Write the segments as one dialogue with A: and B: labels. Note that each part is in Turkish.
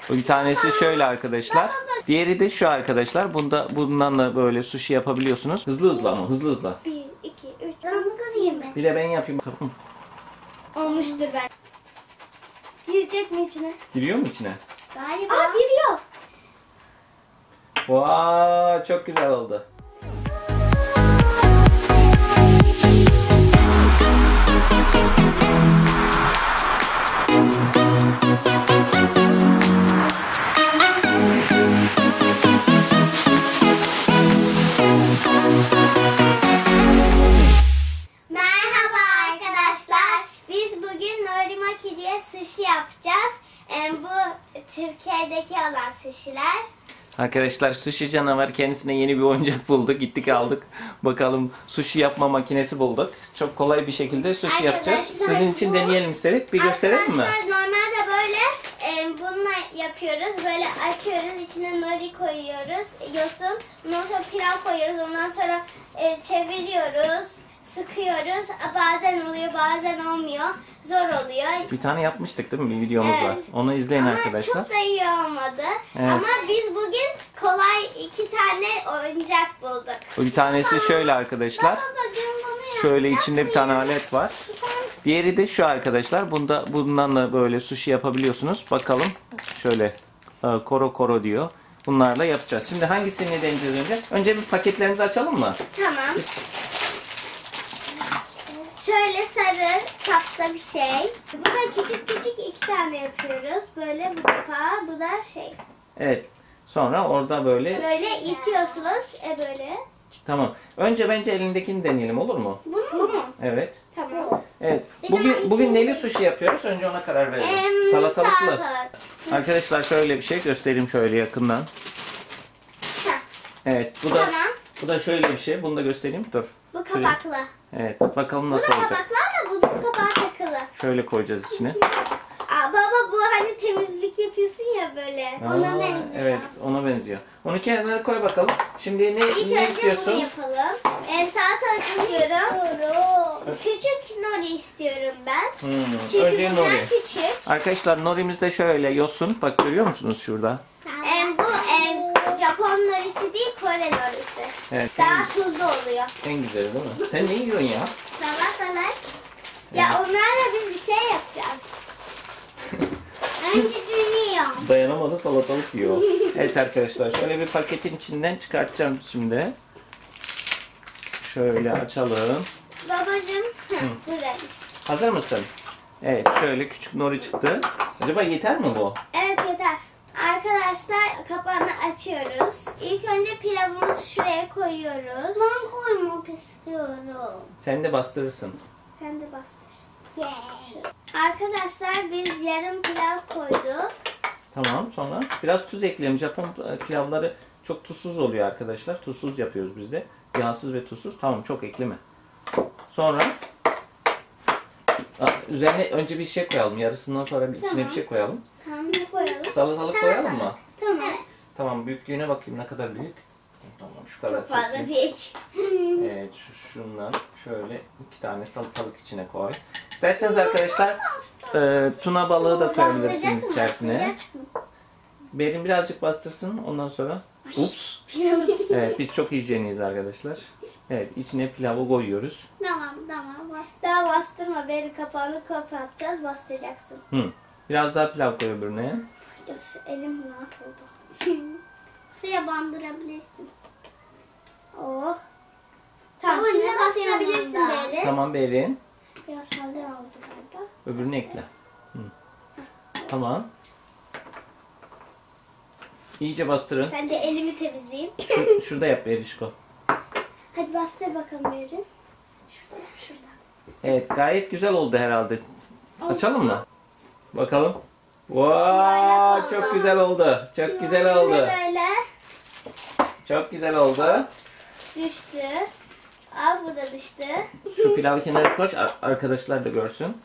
A: Bir tanesi şöyle arkadaşlar. Diğeri de şu arkadaşlar. Bundan da böyle sushi yapabiliyorsunuz. Hızlı hızlı ama hızlı hızlı.
B: 1, 2, 3. Bunu kızayım ben.
A: Bir de ben yapayım.
B: Olmuştur ben. Girecek mi içine?
A: Giriyor mu içine?
B: Galiba. Aa, giriyor.
A: Vay, çok güzel oldu.
B: Merhaba arkadaşlar. Biz bugün Norimaki diye sushi yapacağız. Bu Türkiye'deki olan sushiler.
A: Arkadaşlar sushi canavar kendisine yeni bir oyuncak buldu. Gittik aldık. Bakalım sushi yapma makinesi bulduk. Çok kolay bir şekilde sushi yapacağız. Sizin için deneyelim istedik. Bir gösterelim mi?
B: Arkadaşlar normalde böyle bununla yapıyoruz. Böyle açıyoruz. İçine nori koyuyoruz. Yosun. Ondan sonra pilav koyuyoruz. Ondan sonra çeviriyoruz. Sıkıyoruz. Bazen oluyor, bazen olmuyor. Zor oluyor.
A: Bir tane yapmıştık değil mi? Bir videomuz var.
B: Evet.
A: Onu izleyin
B: Ama
A: arkadaşlar.
B: çok da iyi olmadı.
A: Evet.
B: Ama biz bugün kolay 2 tane oyuncak bulduk.
A: Bir tanesi şöyle arkadaşlar. Şöyle içinde bir tane alet var. Diğeri de şu arkadaşlar. Bundan da böyle sushi yapabiliyorsunuz. Bakalım. Şöyle koro koro diyor. Bunlarla yapacağız. Şimdi hangisini deneyeceğiz önce? Önce bir paketlerimizi açalım mı?
B: Tamam. Şöyle sarı kapta bir şey. Bu da küçük küçük 2 tane yapıyoruz. Böyle bu kapağı, bu da şey.
A: Evet. Sonra orada böyle.
B: Böyle itiyorsunuz. Böyle.
A: Tamam. Önce bence elindekini deneyelim, olur mu?
B: Bu mu?
A: Evet.
B: Tamam.
A: Evet. Bugün neli sushi yapıyoruz? Önce ona karar verelim. Salatalıklı.
B: Salatalık.
A: Arkadaşlar şöyle bir şey göstereyim şöyle yakından. Evet.
B: Tamam.
A: Bu da şöyle bir şey. Bunu da göstereyim. Dur.
B: Bu kapaklı.
A: Evet. Bakalım
B: Bu
A: nasıl
B: da
A: olacak.
B: kapaklı ama bunun kapağı takılı.
A: Şöyle koyacağız içine.
B: Baba bu hani temizlik yapıyorsun ya böyle. Ona benziyor.
A: Evet, ona benziyor. Onu kenara koy bakalım. Şimdi
B: İlk
A: ne
B: önce
A: istiyorsun?
B: bunu yapalım. Salatalık istiyorum. Küçük nori istiyorum ben. Çünkü
A: Önce
B: bunlar
A: nori.
B: küçük.
A: Arkadaşlar norimiz de şöyle yosun. Bak görüyor musunuz şurada?
B: Bu Japon norisi değil, Kore norisi.
A: Evet.
B: Daha tuzlu oluyor.
A: En güzeli değil mi? Sen ne yiyorsun ya?
B: Salatalık. Ya onlarla biz bir şey yapacağız. Öncesini yiyorum.
A: Dayanamadı, salatalık yiyor. Evet arkadaşlar, şöyle bir paketin içinden çıkartacağım şimdi. Şöyle açalım.
B: Babacığım, buradaymış.
A: Hazır mısın? Evet, şöyle küçük nori çıktı. Acaba yeter mi bu?
B: Evet, yeter. Arkadaşlar kapağını açıyoruz. İlk önce pilavımızı şuraya koyuyoruz. Ben koymak istiyorum.
A: Sen de bastırırsın.
B: Sen de bastır. Arkadaşlar biz yarım pilav koyduk.
A: Tamam, sonra biraz tuz ekleyelim. Japon pilavları çok tuzsuz oluyor arkadaşlar. Tuzsuz yapıyoruz biz de. Yağsız ve tuzsuz. Tamam, çok ekleme. Sonra üzerine önce bir şey koyalım. Yarısından sonra içine bir şey koyalım.
B: Tamam, ne koyalım?
A: Salatalık koyalım mı?
B: Tamam. Evet.
A: Tamam, büyüklüğüne bakayım ne kadar büyük. Tamam, şu kadar.
B: Çok fazla
A: kesin.
B: büyük.
A: Evet, şundan şöyle 2 tane salatalık içine koy. İsterseniz arkadaşlar tuna balığı da koyabilirsiniz içerisine. Berin birazcık bastırsın, ondan sonra. Ups. Evet, biz çok hijyeniyiz arkadaşlar. Evet, içine pilavı koyuyoruz.
B: Tamam. Daha bastırma. Beri kapağını kapatacağız. Bastıracaksın.
A: Biraz daha pilav koy öbürüne.
B: Elim mahvoldu. Suya bandırabilirsin. Oh. Tamam, şimdi bastırabilirsin Beri.
A: Tamam Berin.
B: Biraz fazla oldu galiba.
A: Öbürünü ekle. Tamam. İyice bastırın.
B: Ben de elimi temizleyeyim.
A: Şurada yap Berişko.
B: Hadi bastır bakalım Beri. Şurada.
A: Evet, gayet güzel oldu herhalde. Açalım mı? Bakalım.
B: Böyle
A: Çok güzel oldu. Çok güzel oldu.
B: Şimdi böyle
A: Çok güzel oldu.
B: düştü. Bu da düştü.
A: Şu pilavı kenara koy, arkadaşlar da görsün.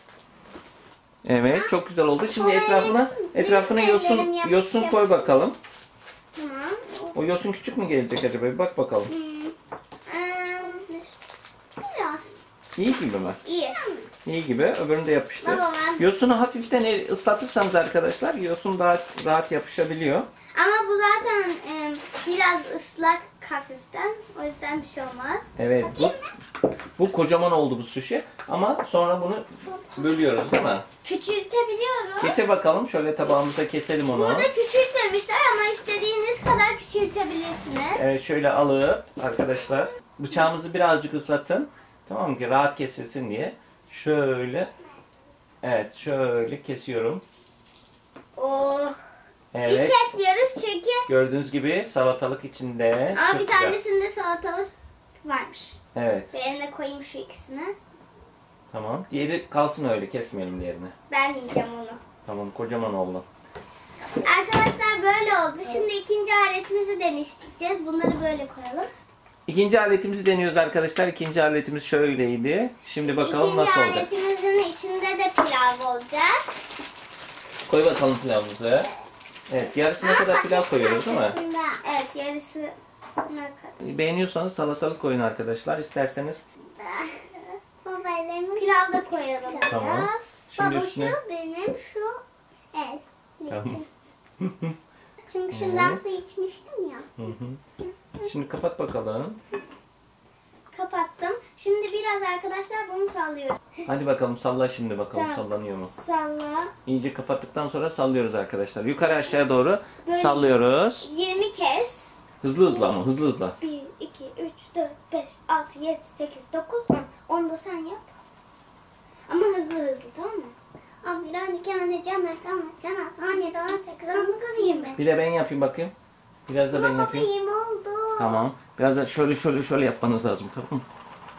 A: Evet, çok güzel oldu. Şimdi etrafına yosun koy bakalım.
B: Tamam.
A: O yosun küçük mü gelecek acaba? Bir bak bakalım.
B: Biraz.
A: İyi gibi mi?
B: İyi.
A: İyi gibi. Öbürünü de yapıştır.
B: Baba, ben-
A: Yosunu hafiften ıslatırsanız arkadaşlar yosun daha rahat yapışabiliyor.
B: Ama bu zaten biraz ıslak hafiften. O yüzden bir şey olmaz.
A: Evet. Bu kocaman oldu bu sushi. Ama sonra bunu bölüyoruz değil mi?
B: Küçültebiliyoruz.
A: Getir bakalım. Şöyle tabağımıza keselim onu.
B: Burada küçültmemişler ama istediğiniz kadar küçültebilirsiniz.
A: Evet, şöyle alıp arkadaşlar bıçağımızı birazcık ıslatın. Tamam mı ki rahat kesilsin diye. Şöyle. Evet, şöyle kesiyorum.
B: Oh. Biz
A: Evet.
B: kesmiyoruz çünkü
A: Gördüğünüz gibi salatalık içinde.
B: ama
A: Çok
B: bir
A: güzel.
B: tanesinde salatalık varmış.
A: Evet.
B: Ben de koyayım şu ikisini.
A: Tamam. Diğeri kalsın öyle. Kesmeyelim diğerini.
B: Ben yiyeceğim onu.
A: Tamam. Kocaman oldu.
B: Arkadaşlar böyle oldu. Şimdi ikinci aletimizi deneyeceğiz. Bunları böyle koyalım.
A: İkinci aletimizi deniyoruz arkadaşlar. İkinci aletimiz şöyleydi. Şimdi bakalım
B: İkinci
A: nasıl olacak.
B: aletimizin içinde de pilav olacak.
A: Koy bakalım pilavımızı. Evet. Yarısına kadar pilav koyuyoruz değil mi?
B: Evet, yarısı ne kadar?
A: Beğeniyorsanız salatalık koyun arkadaşlar. İsterseniz
B: Pilav da koyalım
A: Tamam.
B: biraz.
A: Şimdi
B: Baba
A: üstüne-
B: şu benim şu el.
A: Tamam.
B: Çünkü şundan su içmiştim ya.
A: Hı hı. Şimdi kapat bakalım.
B: Kapattım. Şimdi biraz arkadaşlar bunu sallıyoruz.
A: Hadi bakalım salla şimdi bakalım
B: Tamam.
A: sallanıyor mu?
B: Salla.
A: İyice kapattıktan sonra sallıyoruz arkadaşlar. Yukarı aşağı doğru
B: Böyle-
A: sallıyoruz.
B: 20 kez.
A: Hızlı hızlı ama hızlı hızlı.
B: 1, 2, 3, 4, 5, 6, 7, 8, 9, 10. 10 da sen yap. Ama hızlı hızlı, tamam mı? Abi ben 2 anneciğim, ama sen 17, 18, 19, 20.
A: Bir de ben yapayım bakayım. Biraz da ben yapayım.
B: 20 oldu.
A: Tamam. Biraz da şöyle yapmanız lazım, tamam mı?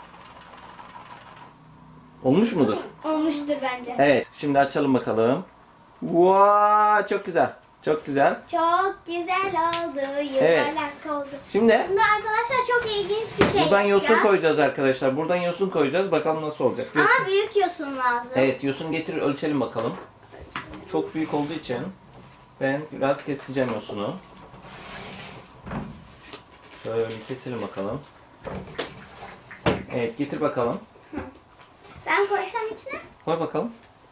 A: Olmuş mudur?
B: Olmuştur bence.
A: Evet. Şimdi açalım bakalım. Vay, çok güzel. Çok güzel.
B: Çok güzel oldu. Yuvarlak oldu.
A: Şimdi
B: Şimdi arkadaşlar çok ilginç bir şey
A: buradan yosun
B: yapacağız.
A: koyacağız arkadaşlar. Buradan yosun koyacağız. Bakalım nasıl olacak. Yosun.
B: Ama büyük yosun lazım.
A: Evet, yosun getir ölçelim bakalım. Çok büyük olduğu için ben biraz keseceğim yosunu. Şöyle keselim bakalım. Evet, getir bakalım.
B: Ben koysam içine.
A: Koy bakalım.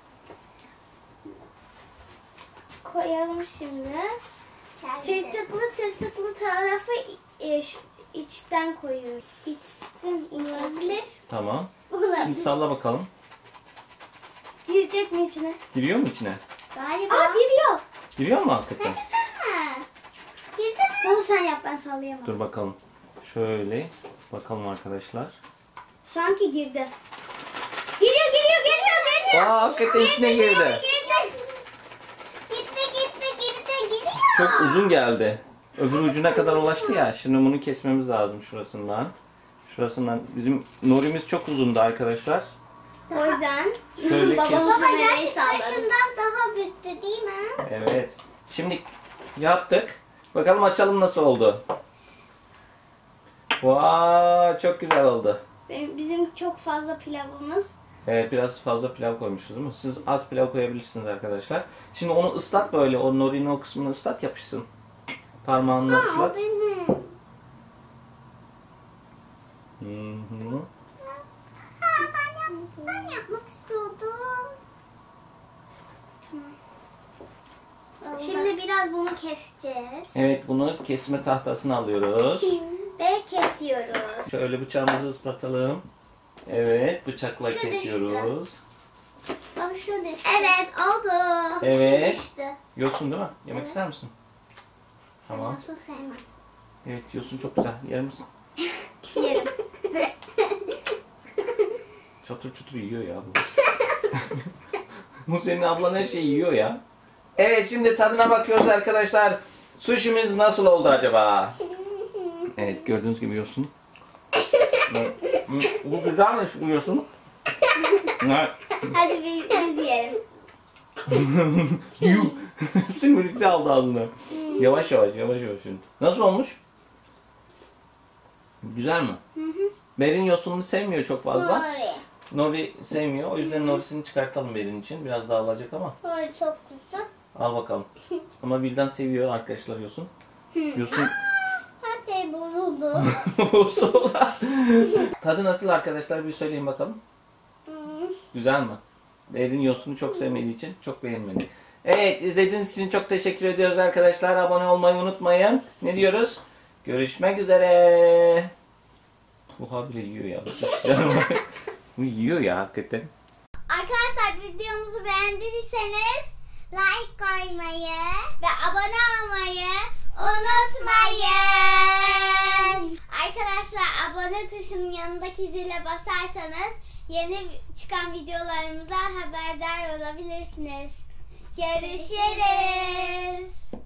B: Koyalım şimdi. Tırtıklı tarafı içten koyuyoruz. İçten olabilir.
A: Tamam. Şimdi salla bakalım.
B: Girecek mi içine?
A: Giriyor mu içine?
B: Galiba. Aa, giriyor.
A: Giriyor mu hakikaten?
B: Girdi mi? Baba sen yap, ben sallayamam.
A: Dur bakalım. Şöyle bakalım arkadaşlar.
B: Sanki girdi. Giriyor.
A: Aa, hakikaten içine girdi.
B: Gitti.
A: Çok uzun geldi. Öbür ucuna kadar ulaştı ya. Şimdi bunu kesmemiz lazım şurasından. Şurasından. Bizim norimiz çok uzundu arkadaşlar.
B: O yüzden
A: Şöyle kes.
B: babamın kamerayı salladı. Şundan daha büyüktü değil mi?
A: Evet. Şimdi yaptık. Bakalım açalım nasıl oldu. Vay, çok güzel oldu.
B: Bizim çok fazla pilavımız.
A: Evet, biraz fazla pilav koymuşuz değil mi? Siz az pilav koyabilirsiniz arkadaşlar. Şimdi onu ıslat böyle. O norinin o kısmını ıslat, yapışsın. Parmağınla ıslat.
B: Benim.
A: Hı-hı.
B: Ben yapmak istiyordum. Tamam. Şimdi biraz bunu keseceğiz.
A: Evet, bunu kesme tahtasını alıyoruz.
B: Ve kesiyoruz.
A: Şöyle bıçağımızı ıslatalım. Evet, bıçakla
B: Şu
A: kesiyoruz.
B: Baba şu düştü. Evet oldu.
A: Evet.
B: Şu düştü.
A: Yosun değil mi? Yemek ister misin? Tamam.
B: Su sevmem.
A: Evet, yosun çok güzel. Yer misin?
B: Yerim.
A: Çatır çutur yiyor ya bu. Bu senin ablan her şeyi yiyor ya. Evet, şimdi tadına bakıyoruz arkadaşlar. Sushi'miz nasıl oldu acaba? Evet, gördüğünüz gibi yosun. Bu güzelmiş bu yosun.
B: Hadi biz yiyelim.
A: Yuh. Hepsini birlikte aldı ağzına. Yavaş yavaş şimdi. Nasıl olmuş? Güzel mi? Berin yosununu sevmiyor çok fazla. Nori sevmiyor. O yüzden Nori'sini çıkartalım Berin için. Biraz daha alacak ama.
B: Böyle çok güzel.
A: Al bakalım. Ama Bildan seviyor arkadaşlar yosun. Yosun.
B: Her şey bozuldu.
A: Sola. Tadı nasıl arkadaşlar, bir söyleyin bakalım. Güzel mi? Berin yosunu çok sevmediği için çok beğenmedi. Evet, izlediğiniz için çok teşekkür ediyoruz arkadaşlar. Abone olmayı unutmayın. Ne diyoruz? Görüşmek üzere. Bu habire yiyor ya. Bu yiyor ya hakikaten.
B: Arkadaşlar videomuzu beğendiyseniz like koymayı ve abone olmayı unutmayın. Arkadaşlar abone tuşunun yanındaki zile basarsanız yeni çıkan videolarımıza haberdar olabilirsiniz. Görüşürüz.